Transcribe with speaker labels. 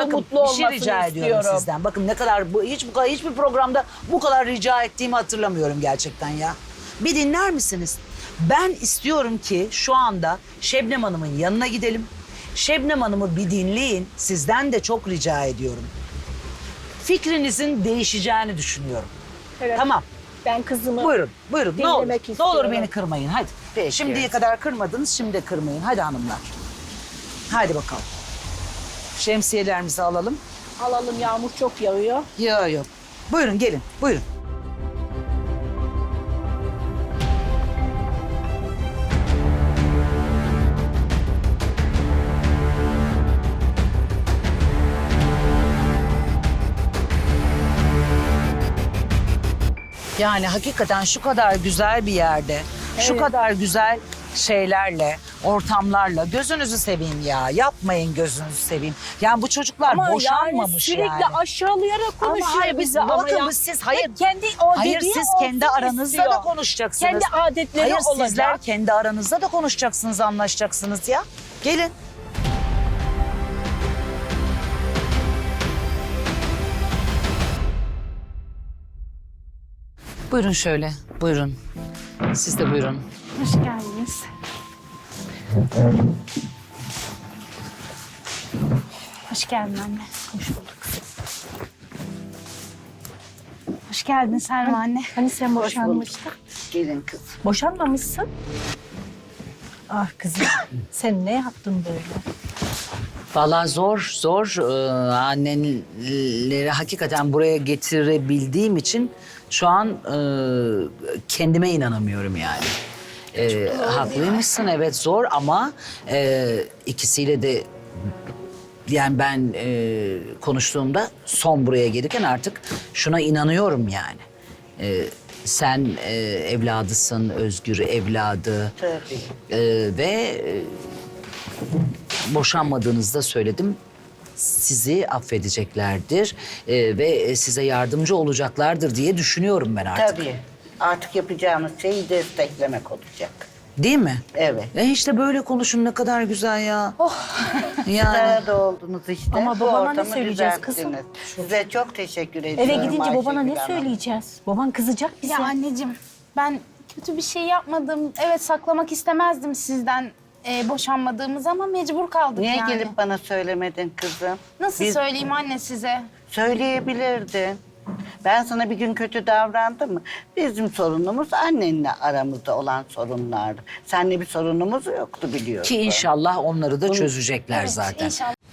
Speaker 1: Bakın,
Speaker 2: mutlu
Speaker 1: bir
Speaker 2: olmasını
Speaker 1: şey rica ediyorum
Speaker 2: istiyorum.
Speaker 1: sizden. Bakın ne kadar hiçbir programda bu kadar rica ettiğimi hatırlamıyorum gerçekten ya. Bir dinler misiniz? Ben istiyorum ki şu anda Şebnem Hanım'ın yanına gidelim. Şebnem Hanım'ı bir dinleyin. Sizden de çok rica ediyorum. Fikrinizin değişeceğini düşünüyorum.
Speaker 2: Evet.
Speaker 1: Tamam.
Speaker 2: Ben kızımı
Speaker 1: Buyurun. Ne olur.
Speaker 2: dinlemek
Speaker 1: Ne olur
Speaker 2: istiyorum.
Speaker 1: beni kırmayın. Hadi.
Speaker 3: Peki.
Speaker 1: Şimdiye kadar kırmadınız, şimdi de kırmayın. Hadi hanımlar. Hadi bakalım. Şemsiyelerimizi alalım.
Speaker 2: alalım, yağmur çok yağıyor.
Speaker 1: Yok. Buyurun gelin. Buyurun. Yani hakikaten şu kadar güzel bir yerde, şu
Speaker 2: Evet.
Speaker 1: kadar güzel şeylerle, ortamlarla gözünüzü seveyim ya. Yapmayın gözünüzü seveyim. Yani bu çocuklar
Speaker 2: Ama
Speaker 1: boşanmamış
Speaker 2: sürekli
Speaker 1: yani.
Speaker 2: aşağılayarak konuşuyor
Speaker 1: Ama hayır
Speaker 2: bizi. Ama
Speaker 1: bakın
Speaker 2: ya,
Speaker 1: siz hayır.
Speaker 2: kendi
Speaker 1: Hayır
Speaker 2: dediği
Speaker 1: siz
Speaker 2: olsun
Speaker 1: kendi aranızda
Speaker 2: istiyor.
Speaker 1: da konuşacaksınız.
Speaker 2: Kendi adetleri
Speaker 1: hayır,
Speaker 2: olacak.
Speaker 1: sizler kendi aranızda da konuşacaksınız, anlaşacaksınız ya. Gelin. Buyurun şöyle, buyurun. Siz de buyurun.
Speaker 4: Hoş geldiniz. Hoş geldin anne. Hoş bulduk. Hoş geldin Selma anne.
Speaker 2: Hani sen boşanmıştın?
Speaker 3: Gelin kız.
Speaker 2: Boşanmamışsın. Ah kızım, sen ne yaptın böyle?
Speaker 1: Vallahi zor annenleri hakikaten buraya getirebildiğim için şu an kendime inanamıyorum yani. Haklıymışsın, evet zor ama ikisiyle de yani ben konuştuğumda son buraya gelirken artık şuna inanıyorum yani. Sen evladısın, Özgür evladı.
Speaker 3: Tabii.
Speaker 1: Ve boşanmadığınızda söyledim. Sizi affedeceklerdir ve size yardımcı olacaklardır diye düşünüyorum ben artık.
Speaker 3: Tabii. Artık yapacağımız şeyi desteklemek olacak.
Speaker 1: Değil mi?
Speaker 3: Evet.
Speaker 1: İşte böyle konuşun ne kadar güzel ya. Yani
Speaker 3: Arada oldunuz işte.
Speaker 2: Ama
Speaker 3: Bu
Speaker 2: babana ne
Speaker 3: ortamı
Speaker 2: söyleyeceğiz kızım?
Speaker 3: düzelttiniz. Size çok teşekkür ediyorum.
Speaker 2: Eve gidince babana ne
Speaker 3: Ayşegül Hanım.
Speaker 2: söyleyeceğiz? Baban kızacak bize.
Speaker 4: Ya anneciğim ben kötü bir şey yapmadım. Evet saklamak istemezdim sizden boşanmadığımız ama mecbur kaldık
Speaker 3: Niye
Speaker 4: yani.
Speaker 3: gelip bana söylemedin kızım?
Speaker 4: Nasıl
Speaker 3: Biz-
Speaker 4: söyleyeyim anne size?
Speaker 3: Söyleyebilirdin. Ben sana bir gün kötü davrandım mı? Bizim sorunumuz annenle aramızda olan sorunlardı. Seninle bir sorunumuz yoktu biliyorsun.
Speaker 1: ki inşallah onları da çözecekler zaten.
Speaker 4: İnşallah.